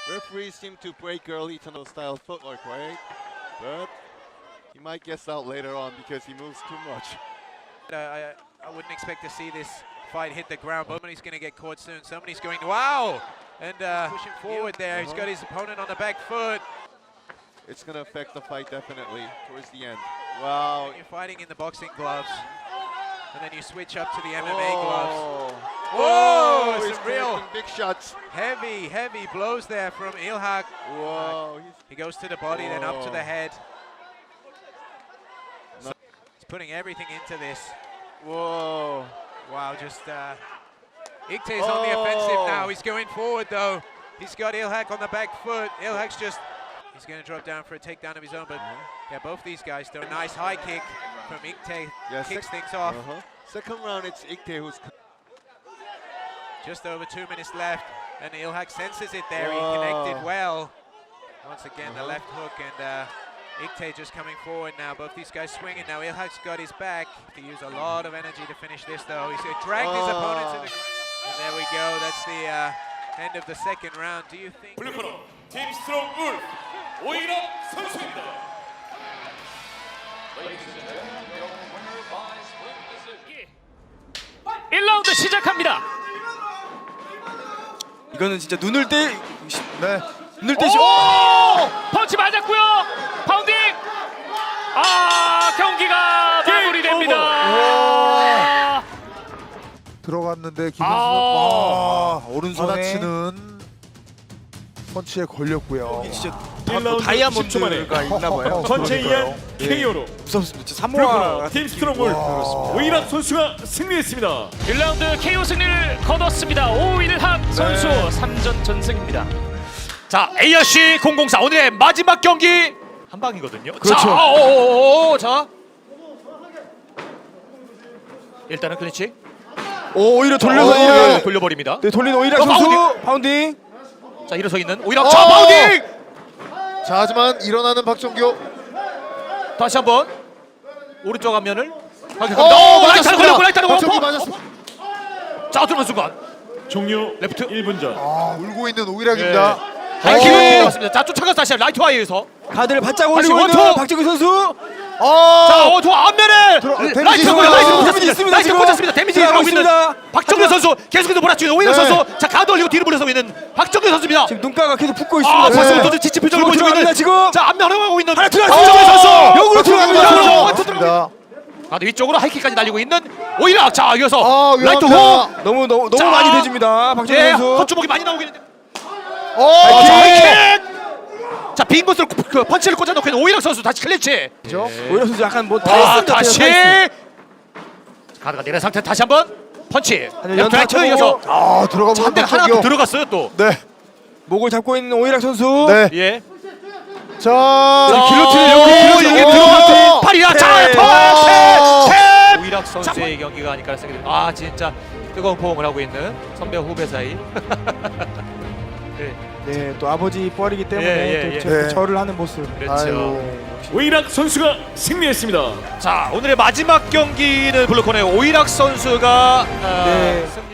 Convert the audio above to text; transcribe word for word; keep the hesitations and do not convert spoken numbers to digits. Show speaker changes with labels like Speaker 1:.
Speaker 1: Referees seem to break early to no style footwork, right? But he might guess out later on because he moves too much.
Speaker 2: Uh, I, I wouldn't expect to see this fight hit the ground. Somebody's going to get caught soon. Somebody's going, wow! And uh, pushing forward there. He's got his opponent on the back foot.
Speaker 1: It's going to affect the fight definitely towards the end. Wow.
Speaker 2: You're fighting in the boxing gloves, and then you switch up to the M M A gloves.
Speaker 1: Whoa!
Speaker 2: Whoa,
Speaker 1: He's
Speaker 2: some real
Speaker 1: connecting big shots.
Speaker 2: heavy, heavy blows there from Ilhak.
Speaker 1: Whoa!
Speaker 2: He goes to the body, then up to the
Speaker 1: Whoa.
Speaker 2: head.
Speaker 1: No.
Speaker 2: So he's putting everything into this.
Speaker 1: Whoa!
Speaker 2: Wow, just uh, Ikte's on the offensive now. He's going forward though. He's got Ilhak on the back foot. Ilhak's just, he's going to drop down for a takedown of his own, but yeah, both these guys do a nice high kick from Ikte.
Speaker 1: Yeah,
Speaker 2: Kicks
Speaker 1: sec-
Speaker 2: things off.
Speaker 1: Uh-huh. Second round, it's Ikte who's.
Speaker 2: Just over two minutes left, and Ilhak senses it there.
Speaker 1: Whoa.
Speaker 2: He connected well. Once again,
Speaker 1: Uh-huh.
Speaker 2: the left hook, and uh, Ikte just coming forward now. Both these guys swinging now. Ilhak's got his back. To use a lot of energy to finish this, though. He's dragged his
Speaker 1: Oh.
Speaker 2: opponent to the ground. And there we go. That's the uh, end of the second round. Do you think?
Speaker 3: 블루코너 팀 스트롱 울프 오일업 선수입니다.
Speaker 4: 일 라운드 시작합니다.
Speaker 5: 이거는 진짜 눈을 떼, 네, 눈을 떼시.
Speaker 4: 오! 펀치 맞았고요. 파운딩. 아, 경기가 마무리됩니다.
Speaker 6: 들어갔는데 김현수
Speaker 4: 아.
Speaker 6: 와, 오른손에
Speaker 5: 받아치는
Speaker 6: 치는 펀치에 걸렸고요.
Speaker 5: 진짜
Speaker 3: 일 라운드 십 초 만에
Speaker 5: 다이아몬드가 있나 봐요.
Speaker 3: 전체 이한
Speaker 5: 예.
Speaker 3: 케이오로
Speaker 5: 무섭습니다. 진짜
Speaker 3: 블루코너
Speaker 5: 사모아
Speaker 3: 팀 스트롱 울프 오일학 선수가 승리했습니다.
Speaker 4: 일 라운드 케이오 승리를 거뒀습니다. 오일학 선수
Speaker 3: 네.
Speaker 4: 삼 전 전승입니다. 자, 에이아씨 공공사 오늘의 마지막 경기 한 방이거든요.
Speaker 5: 그렇죠.
Speaker 4: 자, 오오오오, 자. 일단은 클린치.
Speaker 5: 오, 오히려 돌려서
Speaker 4: 오,
Speaker 5: 이를
Speaker 4: 돌려버립니다.
Speaker 5: 네, 돌린 오이락
Speaker 4: 어,
Speaker 5: 선수
Speaker 4: 파운딩.
Speaker 5: 파운딩.
Speaker 4: 자, 일어서 있는 오일학. 자, 파운딩.
Speaker 6: 자, 하지만 일어나는 박정규.
Speaker 4: 다시 한번 오른쪽 앞면을
Speaker 6: 오,
Speaker 4: 가격합니다. 오, 라이트를
Speaker 6: 맞았습니다.
Speaker 4: 걸렸고 라이트를
Speaker 6: 박정규
Speaker 4: 걸렸고.
Speaker 6: 맞았습니다.
Speaker 4: 자, 들어간 순간
Speaker 3: 종료
Speaker 4: 레프트.
Speaker 3: 일 분 전.
Speaker 6: 아, 울고 있는 오이락입니다.
Speaker 4: 하이킥을
Speaker 6: 오.
Speaker 4: 때렸습니다. 자, 쫓아가서 다시 라이트 와이에서.
Speaker 5: 가드를 바짝
Speaker 4: 빨리
Speaker 5: 올리고 있는
Speaker 4: 원투.
Speaker 5: 박정규 선수.
Speaker 4: 자,
Speaker 6: 어,
Speaker 4: 어, 저 앞면에
Speaker 6: 들어- 데미지
Speaker 4: 라이트
Speaker 6: 있습니다.
Speaker 4: 꽂았- 라이트
Speaker 6: 데미지
Speaker 4: 꽂았습니다.
Speaker 5: 있습니다,
Speaker 4: 라이트
Speaker 5: 지금.
Speaker 4: 꽂았습니다. 데미지
Speaker 5: 들어가고
Speaker 4: 들어가고 있는
Speaker 5: 있습니다.
Speaker 4: 박정규
Speaker 5: 하지만-
Speaker 4: 선수 계속해서 몰아치는 오일락
Speaker 6: 네.
Speaker 4: 선수. 자, 가드 올리고 뒤로 물러서고 있는 박정규 선수입니다.
Speaker 5: 지금 눈가가 계속 붓고 있습니다.
Speaker 4: 아,
Speaker 5: 네.
Speaker 4: 벌써부터 지친 표정을 보여주고
Speaker 5: 들어갑니다,
Speaker 4: 있는
Speaker 5: 지금.
Speaker 4: 자, 앞면 활용하고 있는
Speaker 5: 하나 들어갔습니다.
Speaker 4: 박정규 선수.
Speaker 5: 역으로 들어갑니다.
Speaker 4: 역으로
Speaker 5: 역으로.
Speaker 4: 원투 들어갑니다.
Speaker 6: 맞습니다.
Speaker 4: 가드 위쪽으로 하이킥까지 날리고 있는 오일락. 자, 이어서
Speaker 6: 아,
Speaker 4: 라이트
Speaker 6: 위험합니다.
Speaker 4: 호.
Speaker 5: 너무 너무 너무
Speaker 4: 자.
Speaker 5: 많이 대줍니다. 박정규
Speaker 4: 네,
Speaker 5: 선수.
Speaker 4: 헛주먹이 많이 나오고 있는데.
Speaker 6: 오,
Speaker 4: 아, 자, 하이킥. 자, 빈 곳으로 그, 그 펀치를 꽂아놓고 있는 오일락 선수 다시 클린치.
Speaker 5: 오이락 선수 약간 뭐
Speaker 4: 아,
Speaker 5: 타이슨
Speaker 4: 다시
Speaker 5: 같아요.
Speaker 4: 가드가 내린 상태 다시 한번 펀치.
Speaker 5: 아니,
Speaker 4: 레프트 라이트
Speaker 5: 연타
Speaker 4: 이어서
Speaker 6: 아, 들어가 보는
Speaker 4: 한대 하나 더
Speaker 6: 박정규.
Speaker 4: 들어갔어요 또.
Speaker 6: 네.
Speaker 5: 목을 잡고 있는 오이락 선수.
Speaker 6: 네.
Speaker 4: 예.
Speaker 6: 자,
Speaker 5: 길로틴,
Speaker 4: 오,
Speaker 5: 길로틴,
Speaker 4: 이게
Speaker 5: 길로틴.
Speaker 4: 들어갔지. 팔이야. 자,
Speaker 5: 네.
Speaker 4: 턴. 탭. 오일학 선수의 경기가 아닐까 생각이 듭니다. 아, 진짜 뜨거운 포옹을 하고 있는 선배와 후배 사이. 네,
Speaker 5: 네, 또 아버지 뻘이기 때문에
Speaker 4: 예, 예,
Speaker 5: 또
Speaker 4: 예.
Speaker 5: 저-
Speaker 6: 네.
Speaker 5: 절을 하는 모습.
Speaker 4: 그렇죠.
Speaker 6: 아이고.
Speaker 3: 오일학 선수가 승리했습니다.
Speaker 4: 자, 오늘의 마지막 경기는 블루코너의 오일학 선수가 아,
Speaker 5: 네.
Speaker 4: 승